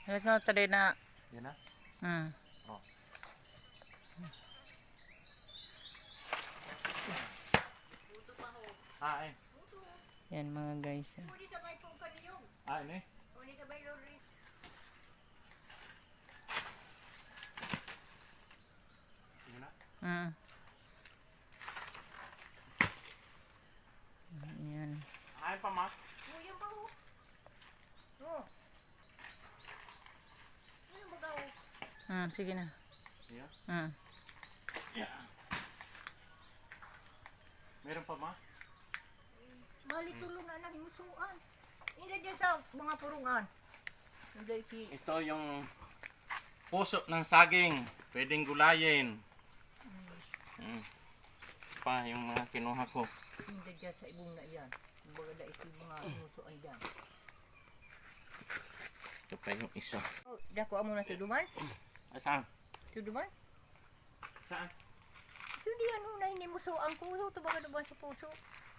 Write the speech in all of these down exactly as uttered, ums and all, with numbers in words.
Alas na tadi na. Yan na? Hmm. Oh. Ah, eh. Yan mga guys. Ah, ini. Yan na? Hmm. Yan. Ay, pa, ma. Hmm, sige na. Yeah. Hmm. Yeah. Meron pa, ma? Bali tulong na lang musuan. Hindi dyan sa mga purungan. Hindi ki. Ito yung puso ng saging. Pwedeng gulayin. Hmm. Pa, yung mga kinuha ko. Hindi dyan sa ibong na yan. Kumbaga da ito yung mga musuan dyan. Ito pa yung isa. Oh, dako mo na tuduman? Ah, saan? Tuduman? Saan? Ito di ano na hindi musuan ko. Ito baga naman sa puso.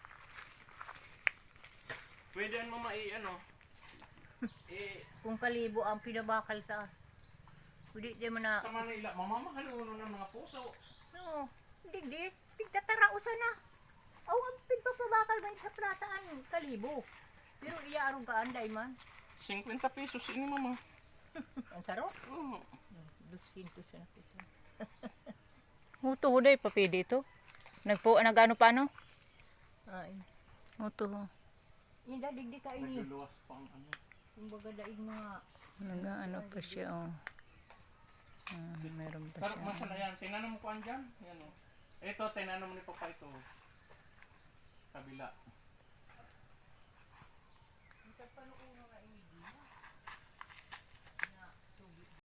Pwede mo mai, ano? eh, Kung kalibo ang pinabakal sa. Hindi di mo na. sa Manila, mamamahaluno ng mga puso. No, hindi di. Pigtatarausan na. Aw, ang pigpapabakal man sa prataan. Kalibo. Pero iyaarong ka anday man. fifty pesos ini, mama. Ang saro? Oo. Dusinto siya na piso. Muto ho day papidi ito. Nagpo nagano pa ano? Ay. Muto ho. Hindi digdi ka ini. Nagluluwas pa ang ano. Kumbaga daig mga. Nagaano pa siya oh. Ah, meron pa Sarap siya. masala yan. Tinanong ko andyan. Yan o. Ito, tinanong ni Papa ito. Kabila.